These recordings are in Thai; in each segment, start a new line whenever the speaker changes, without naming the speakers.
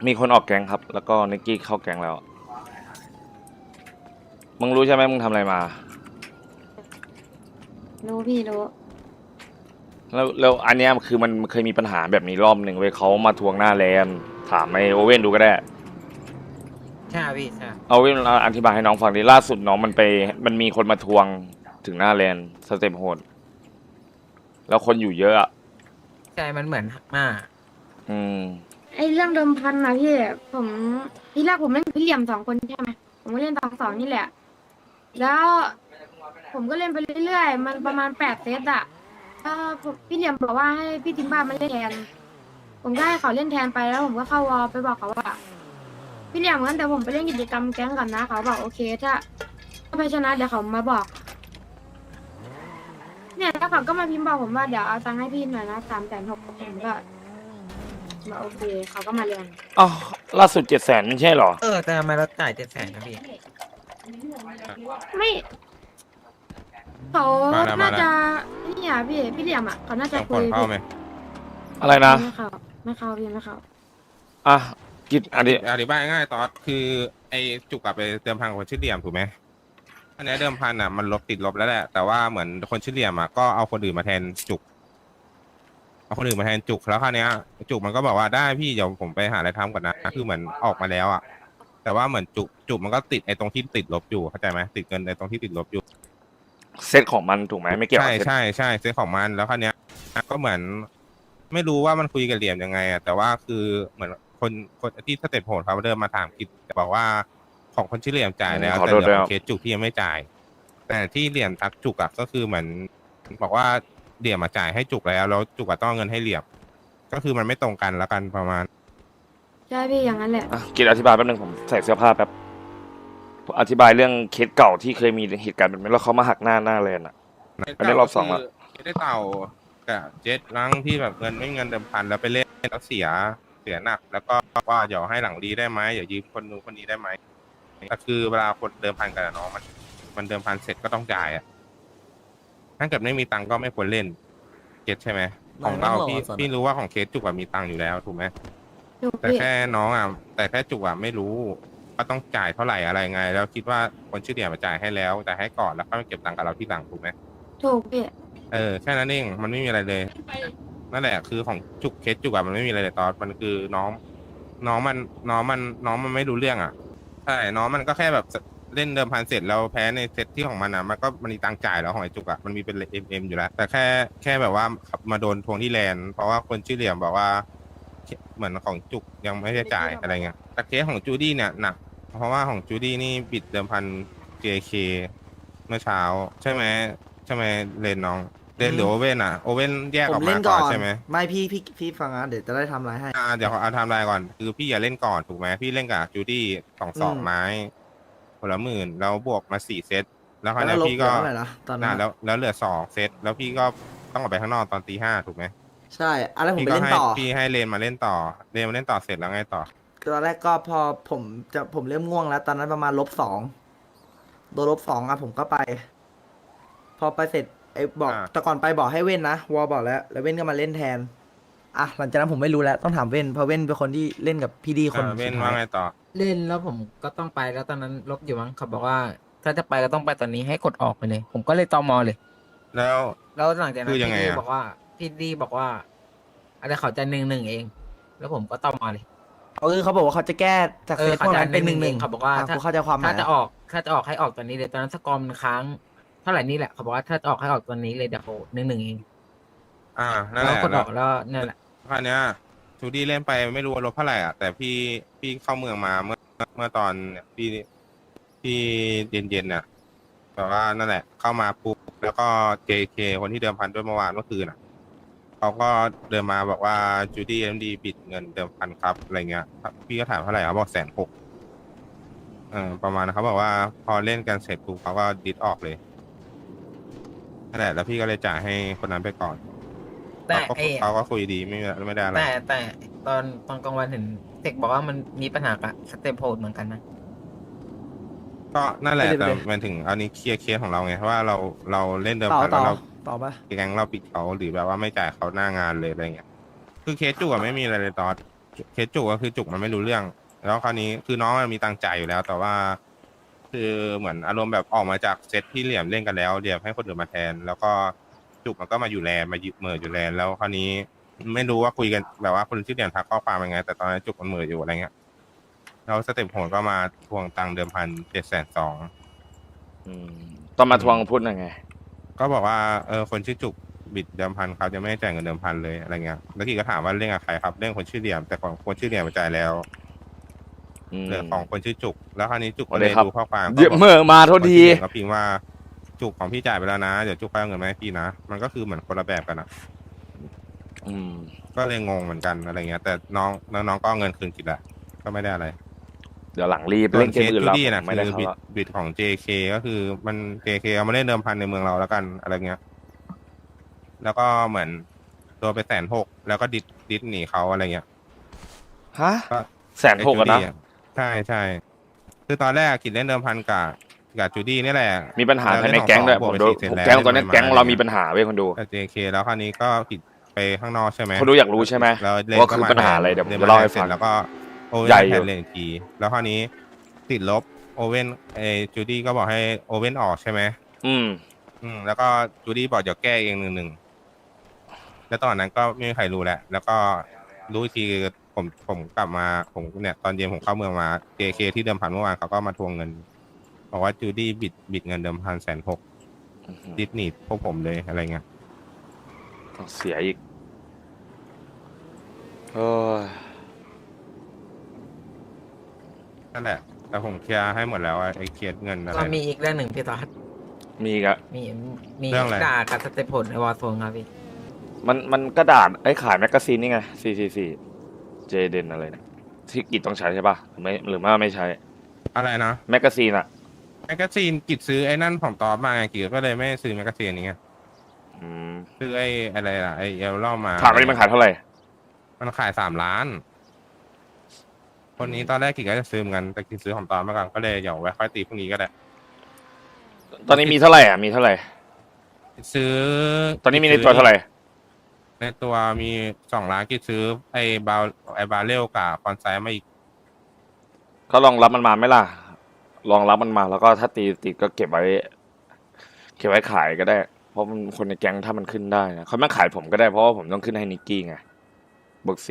มีคนออกแก๊งครับ แล้วก็นิกกี้เข้าแก๊งแล้ว มึงรู้ใช่ไหมมึงทำอะไรมา
รู้พี่รู้
แล้วอันเนี้ยคือมันเคยมีปัญหาแบบนี้รอบหนึ่งเว้ยเขามาทวงหน้าแลนถามไอโอเว่นดูก็ได้
ใช่พี่ใช่
เอาเว่นอธิบายให้น้องฟังดิล่าสุดน้องมันมีคนมาทวงถึงหน้าแลนสเต็ปโหดแล้วคนอยู่เยอะอะ
ใช่มันเหมือนมาก
อืม
ไอ้เรื่องเดิมพันนะพี่ผมทีแรกผมเล่นพี่เหลี่ยม2 คนใช่ไหมผมก็เล่น2-2นี่แหละแล้วผมก็เล่นไปเรื่อยๆมันประมาณ8 เซตอะถ้าผมพี่เหลี่ยมบอกว่าให้พี่ทิมบ้ามาเล่นแทนผมก็ให้เขาเล่นแทนไปแล้วผมก็เข้าวอลไปบอกเขาว่าพี่เหลี่ยมงั้นแต่ผมไปเล่นกิจกรรมแก๊งก่อนนะเขาบอกโอเคถ้าไปชนะเดี๋ยวเขามาบอกเนี่ยแล้วเขาก็มาพิมพ์บอกผมว่าเดี๋ยวเอาตังค์ให้พี่หน่อยนะ360,000ผมก็มาโอเคเขาก็มาเรียน
อ้าวล่าสุด700,000ไม่ใช่เหรอ
แต่ทำไมเราจ่าย700,000นะพี่
ไม่เขาน่า
มาแล้ว
จะนี่อ่ะพี่เหลี่ยมอ่ะเขาน่าจะ
ต้อง
คุ
ผ่อนเข้า
ยพี่
ไหม
อะไรนะ
ไม่เข้าพี่ไม่เข้า
อ่ะกิจอันนี้
อธิบายง่ายๆตอนคือไอ้จุกอะไปเดิมพันกับคนชื่อเหลี่ยมถูกไหมอันเนี้ยเดิมพันอะมันลบติดลบแล้วแหละแต่ว่าเหมือนคนชื่อเหลี่ยมอะก็เอาคนอื่นมาแทนจุกเอาคนอื่นมาแทนจุกแล้วคราวเนี้ยจุกมันก็บอกว่าได้พี่เดี๋ยวผมไปหาอะไรทำก่อนนะคือเหมือนออกมาแล้วอะแต่ว่าเหมือนจุกมันก็ติดไอ้ตรงที่ติดลบอยู่เข้าใจไหมติดเงินในตรงที่ติดลบอยู่
เซตของมันถูกไหมไม่เกี่ยว
ใช่
กับเซต
ใช่ซื้อของมันแล้วคราวเนี้ยก็เหมือนไม่รู้ว่ามันคุยกับเหลี่ยมยังไงอะแต่ว่าคือเหมือนคนที่สเต็ปโหดเขาเดินมาถามกิจบอกว่าของคนชื่อเหลี่ยมจ่ายแล้ว
ขอ
แต่
โทษด้วยครับ
เหลือของเคสจุกที่ยังไม่จ่ายแต่ที่เหลี่ยมทักจุกอะก็คือเหมือนบอกว่าเหลี่ยมมาจ่ายให้จุกแล้วจุกอะต้องเอาเงินให้เหลี่ยมก็คือมันไม่ตรงกันแล้วกันประมาณ
ใช่พี่อย่างนั้นแหละ
อ่ะกิจอธิบายแป๊บนึงผมใส่เสื้อผ้าแป๊บผมอธิบายเรื่องเคสเก่าที่เคยมีเหตุการณ์แบบนี้แล้วเขามาหักหน้าแลนอ่ะอันนี้รอบสองแล้ว
ไม่ได้เต่ากับเจ็ดลังที่แบบเงินเดิมพันแล้วไปเล่นแล้วเสียหนักแล้วก็ว่าเดี๋ยวให้หลังดีได้ไหมเดี๋ยวยืมคนนู้นคนนี้ได้ไหมแต่คือเวลาคนเดิมพันกันอะเนาะมันเดิมพันเสร็จก็ต้องจ่ายอ่ะถ้าเกิดไม่มีตังค์ก็ไม่ควรเล่นเก็ตใช่ไหมของเราพี่รู้ว่าของเคสจุกอะมีตังค์อยู่แล้วถูกไหม
ถูก
แต่
พี่
แค่น้องอ่ะแต่แค่จุกอ่ะไม่รู้ว่าต้องจ่ายเท่าไหร่อะไรไง แล้วคิดว่าคนชื่อเดียมาจ่ายให้แล้วแต่ให้ก่อนแล้วก็มาเก็บตังค์กับเราที่หลังถูกไหม
ถูกพี่
แค่นั้นเองมันไม่มีอะไรเลยนั่นแหละคือของจุกเคสจุกอะมันไม่มีอะไรเลยตอนมันคือน้องมันน้องมันไม่รู้เรื่องอ่ะใช่น้องมันก็แค่แบบเล่นเดิมพันเสร็จแล้วแพ้ในเซตที่ของมันอ่ะมันก็มันมีตังค์จ่ายแล้วของไอ้จุกอ่ะมันมีเป็นเอ็มอยู่แล้วแต่แค่แบบว่ามาโดนทวงที่แลนด์เพราะว่าคนชื่อเหลี่ยมบอกว่าเหมือนของจุกยังไม่ได้จ่ายอะไรเงี้ยแต่เคสของจูดี้เนี่ยหนักเพราะว่าของจูดี้นี่บิดเดิมพัน JK เมื่อเช้าใช่ไหมใช่ไหมเลนน้องเลนหรือโอเว่นอ่ะโอเว่นแยก
ผ
ออกมา
มเล่นก่อน
ก่อนใช่ไหม
ไม่พี่ฟังนะเดี๋ยวจะได้ทำอะไรให้
เดี๋ยวขอเอาไทม์ไลน์ก่อนคือพี่อย่าเล่นก่อนถูกไหมพี่เล่นกับจูดี้สองไม้คนละ10,000แล้วบวกมา4 เซตแล้วคราว
แล้วลบ
เนี้ยพี่ก็
เหลือเท่าไหร่นะตอนนั้น
แล้วเหลือ2 เซตแล้วพี่ก็ต้องออกไปข้างนอกตอนตี 5ถูกไหม
ใช่อะไรผม
พี่
ไป
ก็ให้
เล่นต่อ
พี่ให้เลนมาเล่นต่อเสร็จแล้วไงต่อ
ตอนแรกก็พอผมเริ่มง่วงแล้วตอนนั้นประมาณ-2โดน-2อ่ะผมก็ไป พอไปเสร็จไอ้บอกแต่ก่อนไปบอกให้เว้นนะวอบอกแล้วเว้นก็มาเล่นแทนอ่ะหลังจากนั้นผมไม่รู้แล้วต้องถามเว้นเพราะเว้นเป็นคนที่เล่นกับพี่ดีคน
เว้น
สุดท้าย
ว่าไงต่อ
เล่นแล้วผมก็ต้องไปแล้วตอนนั้นลบอยู่มั้งเขาบอกว่าถ้าจะไปก็ต้องไปตอนนี้ให้กดออกไปเลยผมก็เลยตมเลย
แล้ว
แล้วหลังจากนั้น
คือยังไงอะ
พี่ดีบอกว่าอะไรเขาจะ1-1เองแล้วผมก็ตมเลย
คือเขาบอกว่าเขาจะแก้จากเซตพวกนั้นเป็น1-1
เขาบอกว่า
กูเข้าใจความหมาย
ถ้าจะออกให้ออกตอนนี้เลยตอนนั้นสกอร์มันค้างเท่าไหร่นี่แหละเขาบอกว่าถ้าจะออกให้ออกตอนนี้เลยเดี๋ยว1-1เอง
นั่น
แล้ว
แหละ
กดออกแล้วนั่นแหละ
คราวเนี้ยจูดี้เล่นไปไม่รู้ว่าลบเท่าไหร่อ่ะแต่พี่เข้าเมืองมาเมื่อตอนเนี่ยพี่เย็นน่ะแต่ว่านั่นแหละเข้ามาปุ๊บแล้วก็ JK คนที่เดิมพันด้วยเมื่อวานเมื่อคืนอ่ะเขาก็เดินมาบอกว่าจูดี้MDบิดเงินเดิมพันครับอะไรเงี้ยพี่ก็ถามเท่าไหร่เขาบอก160,000ประมาณเขาบอกว่าพอเล่นกันเสร็จปุ๊บเขาก็ดิสออกเลยนั่นแหละแล้วพี่ก็เลยจ่ายให้คนนั้นไปก่อน
แต่
เขาก็คุยดีไม่ได้อะไร
แต่ตอนกลางวันเห็นเทคบอกว่ามันมีปัญหากับสเตปโฮดเหมือนกันนะ
ก็นั่นแหละแต่
ไปเลย
มันถึงอันนี้เคลียร์ของเราไงเพราะว่าเราเล่นเดิม
ต่อ
พัน
ต่อ
แล้วเรา
ต่อปะ
แก๊งเราปิดเขาหรือแบบว่าไม่จ่ายเขาหน้างานเลยอะไรเงี้ยคือเคสจุกอะไม่มีอะไรเลยตอนเคสจุกก็คือจุกมันไม่รู้เรื่อง แล้วคราวนี้คือน้องมันมีตังค์จ่ายอยู่แล้ว แต่ว่า คือเหมือนอารมณ์แบบออกมาจากเซตที่เหลี่ยมเล่นกันแล้วเหลี่ยมให้คนอื่นมาแทน แล้วก็จุกมันก็มาอยู่แลนด์มายึดเหม่ออยู่แลนด์แล้วคราวนี้ไม่รู้ว่าคุยกันแบบว่าคนชื่อเหลี่ยมทักข้อความยังไง แต่ตอนนั้นจุกมันเหม่ออยู่อะไรเงี้ยแล้วสเต็ปโหดก็มาทวงตังค์เดิมพัน720,000
อืมต้องมาทวงพูดยังไง
ก็บอกว่าคนชื่อจุกบิดเดิมพันครับจะไม่ให้จ่ายเงินเดิมพันเลยอะไรเงี้ยแล้วกีก็ถามว่าเรื่องกับใครครับเรื่องคนชื่อเหลี่ยมแต่ของคนชื่อเหลี่ยมมาจ่ายแล้ว
อืม
เรื่องของคนชื่อจุก แล้วคราวนี้จุก
โอ
ก็
เค
เลย
ครับ
ดูข้อความ
เดี๋ยวเมื่อมาโทษที
คนชื่อเหลี่ยมก็พิมพ์ว่าจุกของพี่จ่ายไปแล้วนะเดี๋ยวจุกไปเอาเงินมาให้พี่นะมันก็คือเหมือนคนละแบบกันอะ
อืม
ก็เลยงงเหมือนกันอะไรเงี้ย แต่น้องก็เอาเงินคืนกินแหละก็ไม่ได้อะไร
เดี๋ยวหลังรีบ
ส่ว
เล่
น
น
เค
เกม
ส
อื่น
จู
แล้ว
ดี้นะ
ไม่ได้
คือ
เขา
บิด
ละ
บิดของ JK ก็คือมัน JK เอามาเล่นเดิมพันในเมืองเราแล้วกันอะไรเงี้ย แล้วก็เหมือนตัวไป160,000แล้วก็ดิดหนีเขาอะไรเงี้ย
ฮะ
ก็
160,000อะนะ
ใช่ใช่คือตอนแรกกินเล่นเดิมพันกับจูดี้นี่แหละ
มีปัญหา
แล้ว
ภายใน
เล่น
แก๊งด้วย
บ
ผ
วก
ม
ไป
ดู
4 เซตแล้ว
แก๊งตอนนี้
เล่น
แก๊ง
มา
เรา
อะไร
มี
เงี้ย
ปัญหาเว้ยคนดู
กับ JK แล้วคราวนี้ก็ผิดไปข้างนอกใช่ไหม
คนดูอยากรู้ใช่ไหม
แล้วเล่น
ว่า
ก็
คือ
มา
ปัญหาอะไรเดี๋ยวผม
น
จะเล่าให้
สร็
ฟั
จ
ง
แล้วก็โอเว่
ใหญ่
น
อยู่
แทนเลนอีกทีแล้วคราวนี้ติดลบโอเว่นจูดี้ก็บอกให้โอเว่นออกใช่ไหม
อืม
แล้วก็จูดี้บอกเดี๋ยวแก้เอง1-1แล้วตอนนั้นก็ไม่มีใครรู้แหละแล้วก็รู้อีกทีผมกลับมาผมเนี่ยตอนเย็นผมเข้าเมืองมา JK ที่เดิมพันเมื่อวานเขาก็มาทวงเงินบอกว่าจูดี้บิดเงินเดิมพัน160,000ดิสนีย์พวกผมเลยอะไรเงี้ย
ต้องเสียอีกโอ้ย
นั่นแหละแต่ผมเคลียร์ให้หมดแล้วไอ้เคลียร์เงินอะไร
ก็มีอีกเรื่องหนึ่งพี่ตอด
มีอีกอะ
มี
เรื่องอะไร
ด่ากับสเตปผลในวอร์โซนครับพี่
มันกระดาษไอ้ขายแมกกาซีนนี่ไง444เจเดนอะไรเนี่ยที่กิจต้องใช้ใช่ป่ะหรือไม่ใช้
อะไรนะ
แมกกาซีนอะ
แมกกาซีนกิจซื้อไอ้นั่นของตอบมาไงกิจก็เลยไม่ซื้อแมกกาซีนนี้ไง
อืม
ซื้อไอ้อะไรล่ะไอ้เอลล่ามา
ถามว่านี่มันขายเท่าไหร่
มันขาย3 ล้าน คนนี้ตอนแรกกิจก็จะซื้อเหมือนกันแต่กิจซื้อของตอบมาก่อนก็เลยเดี๋ยวไว้ค่อยตีพรุ่งนี้ก็ได้
ตอนนี้มีเท่าไหร่อ่ะมีเท่าไหร่
ซื้อ
ตอนนี้มีในตัวเท่าไหร่
ในตัวมี2 ล้านกิจซื้อไอ้บาเรลกับคอนไซมาอีก
ก็ลองรับมันมาไหมล่ะลองรับมันมาแล้วก็ถ้าตีติดก็เก็บไว้ขายก็ได้ เพราะมันคนในแก๊งถ้ามันขึ้นได้นะเขาไม่ขายผมก็ได้เพราะว่าผมต้องขึ้นให้นิกกี้ไงบวก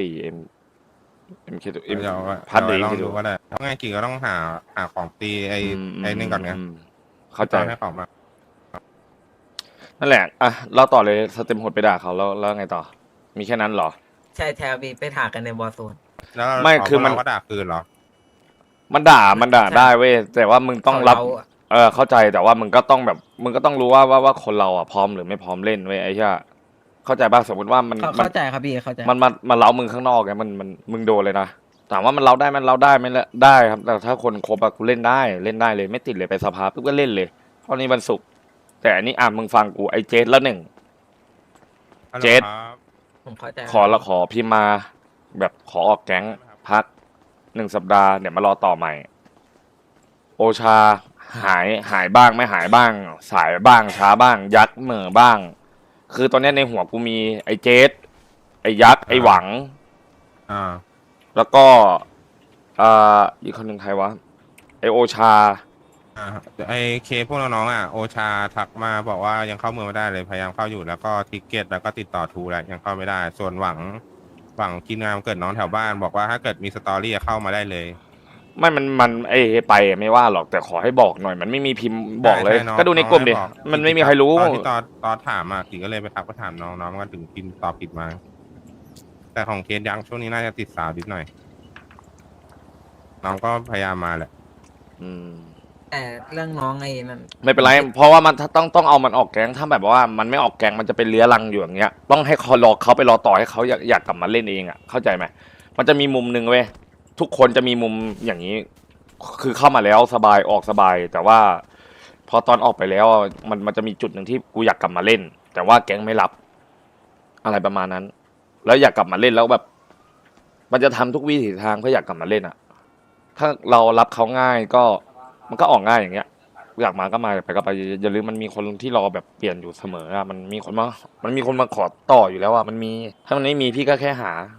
4 MK
เดี๋ยว
พัดดี
ลอง
ที่
ดู
ดู
ก็ได้เพราะไงกิจก็ต้องหาของตีไอ้นี่ก่อนไง
เข้าใจ
ให้ของมา
นั่นแหละอ่ะเราต่อเลยสเต็มโหดไปด่าเขาแล้วไงต่อ มีแค่นั้นเหรอ
ใช่แทบีไปถากันในวอร์โซน
แล้ว
ไม่คือมัน
เราก็ด่าคืนเหรอ
มันด่าได้เว้ยแต่ว่ามึงต้องรับ
เขา
เข้าใจแต่ว่ามึงก็ต้องแบบมึงก็ต้องรู้ว่าคนเราอ่ะพร้อมหรือไม่พร้อมเล่นเว้ยไอ้เหี้ยเข้าใจป่ะสมมติว่ามัน
เข้าใจครับพี่เข้าใจ
มันเล้ามึงข้างนอกไงมันมึงโดนเลยนะถามว่ามันเล้าได้มันเล้าได้ไม่ละได้ครับ แต่ถ้าคนครบอะกูเล่นได้เลยไม่ติดเลยไปสภาปุ๊บก็เล่นเลยเพราะนี้วันศุกร์แต่อันนี้มึงฟังกูไอ้เจสแล้วหนึ่ง
ฮัลโหล
เจษ
ครับ
ผมเข้าใจ
ขอพิมพ์มาแบบขอออกแก๊งพัก1 สัปดาห์เดี๋ยวมารอต่อใหม่ โอชาหายบ้างไม่หายบ้าง สายบ้างช้าบ้าง ยักษ์เหม่อบ้าง คือตอนเนี้ยในหัวกูมีไอ้เจสไอ้ยักษ์ไอ้หวัง แล้วก็อีกคนหนึ่งใครวะไอ้โอชา
ไอเคพวกน้องๆโอชาทักมาบอกว่ายังเข้าเมืองไม่ได้เลยพยายามเข้าอยู่แล้วก็ทิกเก็ตแล้วก็ติดต่อทูแล้วยังเข้าไม่ได้ ส่วนหวังกินงามเกิดน้องแถวบ้านบอกว่าถ้าเกิดมีสตอรี่เข้ามาได้เลย
ไม่มันไอ้ไปไม่ว่าหรอกแต่ขอให้บอกหน่อย มันไม่มีพิมพ์บอกเลย
ใช่น้อง
ก็ดูในกลุ่มดิ
น้องบอก
มันไม่มีใครรู้
ตอนที่ตอนถามกิก็เลยไปทักไปถามน้องก็ถึงพิมพ์ตอบผิดมา แต่ของเคสยังช่วงนี้น่าจะติดสาวนิดหน่อยน้องก็พยายามมาแหละ
อืม
แต่เรื่องน้องไอ้นั่น
ไม่เป็นไร เพราะว่ามันต้องเอามันออกแก๊งถ้าแบบว่ามันไม่ออกแก๊งมันจะเป็นเลื้อรังอยู่อย่างเงี้ย ต้องให้เขาไปรอต่อให้เขาอยากกลับมาเล่นเองอ่ะเข้าใจไหมมันจะมีมุมหนึ่งเว้ยทุกคนจะมีมุมอย่างนี้ คือเข้ามาแล้วสบายออกสบาย แต่ว่า พอตอนออกไปแล้วมันจะมีจุดหนึ่งที่กูอยากกลับมาเล่น แต่ว่าแก๊งไม่รับ อะไรประมาณนั้น แล้วอยากกลับมาเล่นแล้วแบบ มันจะทำทุกวิถีทางเพื่ออยากกลับมาเล่นอ่ะ ถ้าเรารับเขาง่ายก็มันก็ออกง่ายอย่างเงี้ย อยากมาก็มาไปก็ไปอย่าลืมมันมีคนที่รอแบบเปลี่ยนอยู่เสมออะมันมีคนมาขอต่ออยู่แล้วอะมันมีถ้ามันไม่มีพี่ก็แค่หา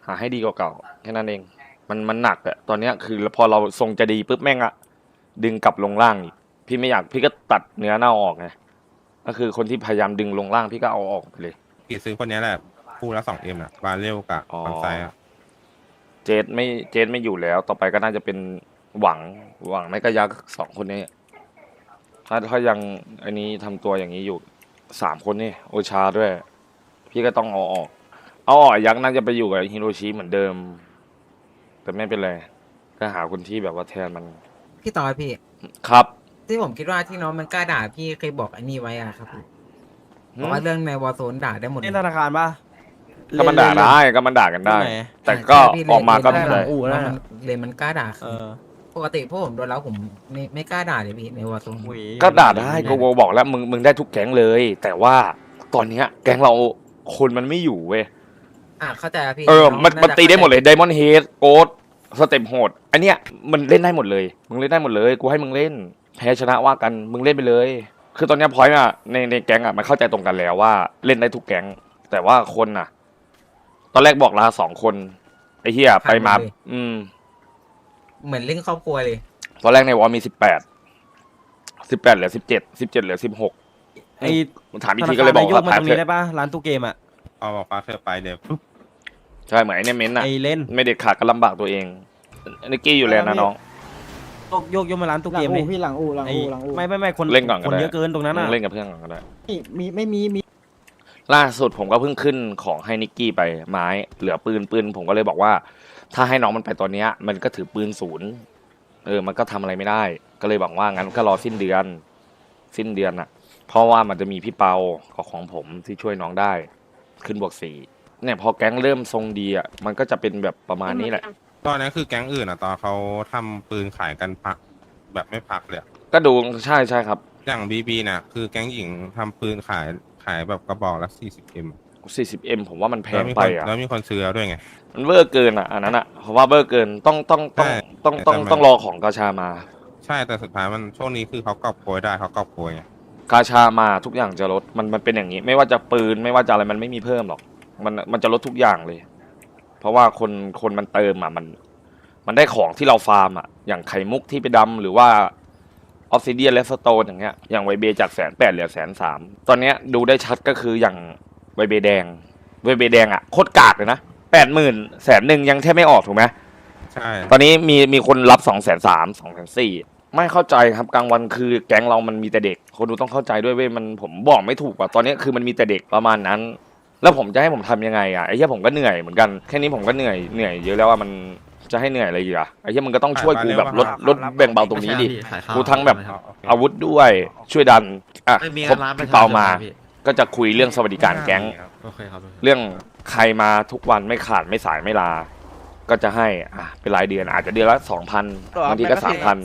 หาให้ดีกว่าเก่าแค่นั้นเองมันหนักอะตอนเนี้ยคือพอเราทรงจะดีปุ๊บแม่งอะดึงกลับลงล่างอีกพี่ไม่อยากพี่ก็ตัดเนื้อเน่าออกไงก็คือคนที่พยายามดึงลงล่างพี่ก็เอาออกไปเลย
กี่ซื้อคนนี้แหละคู่ละ2Mน่ะบาเรลกับ
อ๋อ
คอนไซอะ
เจดไม่อยู่แล้ว ต่อไปก็น่าจะเป็นหวังไม่ก็ยักษ์สองคนนี้ถ้ายังอันนี้ทำตัวอย่างนี้อยู่3 คนนี่โอชาด้วย พี่ก็ต้องเอาออกยักษ์น่าจะไปอยู่กับฮิโรชิเหมือนเดิม แต่ไม่เป็นไรก็หาคนที่แบบว่าแทนมัน
พี่ต่อพี่
ครับ
ที่ผมคิดว่าที่น้องมันกล้าด่าพี่เคยบอกไอ้นี่ไว้อะครับพี่บอกว่าเรื่องในวอร์โซนด่าได้หมดเล
เล่
ย
นธนาคารป่ะ
ก็มันด่าได้ก็มันด่ากันได้
ที่ไหน
แต่ก็
ใช่พี่
ออกมาก็
เล
ไม่
น
เป็นไร
อู่แล้ว
มันเลนมันกล้าด่า
เออ
ปกติพวกผมโดนแล้วผมไม่กล้าด่าเลยพี่ในวอร์โซน
อุ้ย
ก็ด่าได้ก็บอกแล้วมึงได้ทุกแก๊งเลย แต่ว่าตอนเนี้ยแก๊งเราคนมันไม่อยู่เว้ย
เข้าใจครับพี่
มัน
องาจะ
ตีได้หมดเลยไดมอนด์เฮดโกดสเต็ปโหดอันเนี้ยมันเล่นได้หมดเลยมึงเล่นได้หมดเลยกูให้มึงเล่นแพ้ชนะว่ากันมึงเล่นไปเลย คือตอนเนี้ยพอยต์อะในแก๊งอะมันเข้าใจตรงกันแล้วว่าเล่นได้ทุกแก๊งแต่ว่าคนอะตอนแรกบอกลา2 คนไอ้เหี้ยไปมา
เหมือนเล่นครอบครัวเลย
ตอนแรกในวอลมี18เหลือ17เหลือ16
ไอ้
ถามอีกทีก็เลยบอกว่า
ธนครนยกมา
แพ้
ตรง
เถ
นี้
อะ
ได้ป่ะร้านตู้เกมอ่ะ
เอาบอกฟ้าเธอไปเดี๋ยวปุ๊บ
ใช่เหมือนไอ้เนี่ยเม้นอะ
ไอ้เล่น
ไม่เด็ดขาดก็ลำบากตัวเองนิกกี้อยู่แล้วนะน้อง
ยกมาร้านตู้
หลั
เก
ง
ม
อู่
เลย
พี่หลังอู่หลัง
ไอ้
อู่หลังอู่
ไม่คน
เล่นก่อนก็
คน
ได้
เยอะเกินตรงนั้น
มึ
อ่ะ
งเล่นกับเพื่อนก่อนก็ได้
ไม่มี
ล่าสุดผมก็เพิ่งขึ้นของให้นิกกี้ไปไม้เหลือปืนผมก็เลยบอกว่า ถ้าให้น้องมันไปตอนเนี้ยมันก็ถือปืนศูนย์มันก็ทำอะไรไม่ได้ ก็เลยบอกว่างั้นก็รอสิ้นเดือนน่ะ เพราะว่ามันจะมีพี่เปาของผมที่ช่วยน้องได้ ขึ้นบวก4เนี่ยพอแก๊งเริ่มทรงดีอ่ะมันก็จะเป็นแบบประมาณนี้แหละ
ตอนนี้คือแก๊งอื่นอ่ะตอนเขาทำปืนขายกันพักแบบไม่พักเลยอะ
ก็ดูใช่ครับ
อย่างบีน่ะคือแก๊งหญิงทำปืนขายแบบกระบอกละ 40M
40M ผมว่ามันแพ
แล้ว
ง
มี
ไป
คน
อ่ะ
แล้วมีคนซื้อด้วยไง
มันเวอร์เกินอ่ะอันนั้นอ่ะเพราะว่าเวอร์เกินต้อง
ใช่แต่มัน
ต้องรอของกาชามา
ใช่แต่สุดท้ายมันช่วงนี้คือเขากอบโกยได้เขากอบโกยไง
กาชามาทุกอย่างจะลดมันเป็นอย่างนี้ ไม่ว่าจะปืนไม่ว่าจะอะไรมันไม่มีเพิ่มหรอกมันจะลดทุกอย่างเลย เพราะว่าคนมันเติมอ่ะมันได้ของที่เราฟาร์มอ่ะอย่างไข่มุกที่ไปดำหรือว่าออฟซิเดียนและสโตนอย่างเงี้ยอย่างไวเบจาก180,000เหลือ130,000ตอนเนี้ยดูได้ชัดก็คืออย่างไวเบแดงอ่ะโคตรกากเลยนะ80,000 100,000ยังแทบไม่ออกถูกไหม
ใช่
ตอนนี้มีคนรับ230,000 240,000ไม่เข้าใจครับกลางวันคือแก๊งเรามันมีแต่เด็กคนดูต้องเข้าใจด้วยเว้ยผมบอกไม่ถูกว่าตอนนี้คือมันมีแต่เด็กประมาณนั้น แล้วผมจะให้ผมทำยังไงอ่ะไอ้เหี้ยผมก็เหนื่อยเหมือนกันแค่นี้ผมก็เหนื่อยเยอะแล้วว่ามันจะให้เหนื่อยอะไรอีกอ่ะไอ้เหี้ยมึงก็ต้องช่วยกูแบบลดแบ่งเบาตรงนี้ดิกูทั้งแบบอาวุธด้วยช่วยดันอ่ะครบพี่เปามา ก็จะคุยเรื่องสวัสดิการแก๊ง
โอเคครับ
เรื่องใครมาทุกวันไม่ขาดไม่สายไม่ลา ก็จะให้เป็นรายเดือนอาจจะเดือนละ 2,000บางทีก็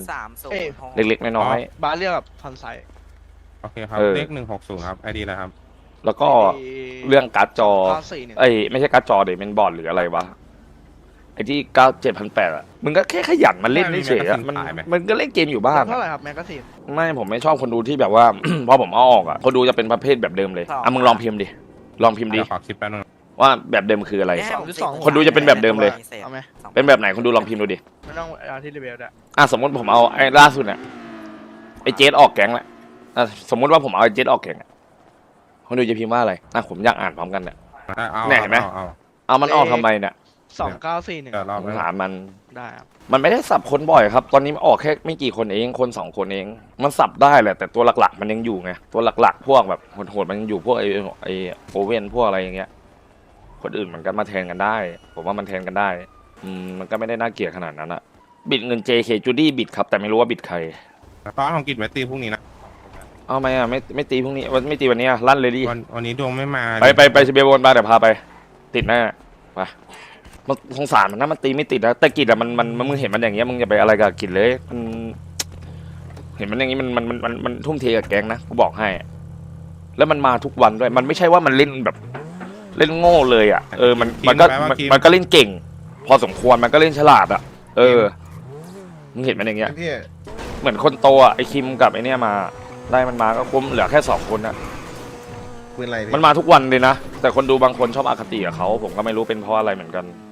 3,000 เล็กๆน้อย
บาเรียกกับพันไซ
โอเคครับ
เออ
เลข160ครับไอดีแล้วครับ
ๆแล้วก็เรื่องการ์ดจอ
941
เอ้ยไม่ใช่การ์ดจอเดี๋ยวเป็นบอร์ดหรืออะไรวะไอ้ที่7,800อ่ะมึงก็แค่ขยันมาเล่นเฉยๆอะมันก็เล่นเกมอยู่บ้าง
เท่าไหร่ครับแมกกาซีน
ไม่ผมไม่ชอบคนดูที่แบบว่า พอผมเอาออกอ่ะคนดูจะเป็นประเภทแบบเดิมเลยอ่ะมึงลองพิมพ์ดิลองพิมพ์ดิ
เดี๋ยวขอคิดแป๊บนึง
ว่าแบบเดิมคืออะไร
2.2
คนดูจะเป็นแบบเดิมเลย
เอาไหม
เป็นแบบไหนคนดูลองพิมพ์ดูดิ
ไม่ต้องเอาที่รีเวลด้วย
สมมติผมเอาไอ้ล่าสุดเนี่ยไอ้เจสออกแก๊งแล้วสมมติว่าผมเอาไอ้เจสออกแก๊งคนดูจะพิมพ์ว่าอะไรผมอยากอ่านพร้อมกันเนี่ย
เอา
เนี่ยเห็นไหม
เอา
เอามันออกทำไมเนี่ย
2941
เดี๋ยวรอบ
ผมถามมัน
ได้ครับ
มันไม่ได้สับคนบ่อยครับ ตอนนี้มันออกแค่ไม่กี่คนเองคน2 คนเอง มันสับได้แหละแต่ตัวหลักๆ มันยังอยู่ไงตัวหลักๆ พวกแบบโหดๆมันยังอยู่พวกไอโอเว่นพวกอะไรอย่างเงี้ยคนอื่นมันก็มาแทนกันได้ ผมว่ามันแทนกันได้มันก็ไม่ได้น่าเกลียดขนาดนั้นอะบิดเงิน JK จูดี้บิดครับแต่ไม่รู้ว่าบิดใคร
ตอนของกิจไว้ตีพรุ่งนี้นะ
เอาไหมไม่ตีพรุ่งนี้ไม่ตีวันนี้ลั่นเลยดิ
วันนี้ดวงไม่มา
ไปเชเบลบนมาเดี๋ยวพาไป ติดแน่ไปมันสงสารมันนะมันตีไม่ติดนะแต่กิจอะมันมึงเห็นมันอย่างเงี้ยมึงอย่าไปอะไรกับกิจเลยมันเห็นมันอย่างงี้มันทุ่มเทกับแก๊งนะกูบอกให้ แล้วมันมาทุกวันด้วย มันไม่ใช่ว่ามันเล่นแบบเล่นโง่เลยอ่ะมันก็เล่นเก่ง พอสมควรมันก็เล่นฉลาดอ่ะมึงเห็นมันอย่างเงี้ยเหมือนคนโตอ่ะไอคิมกับไอเนี้ยมาได้มันมาก็คุ้มเหลือแค่2 คนอ่ะมันมาทุกวันเลยนะแต่คนดูบางคนชอบอคติกับเขาผมก็ไม่รู้เป็นเพราะอะไรเหมือนกัน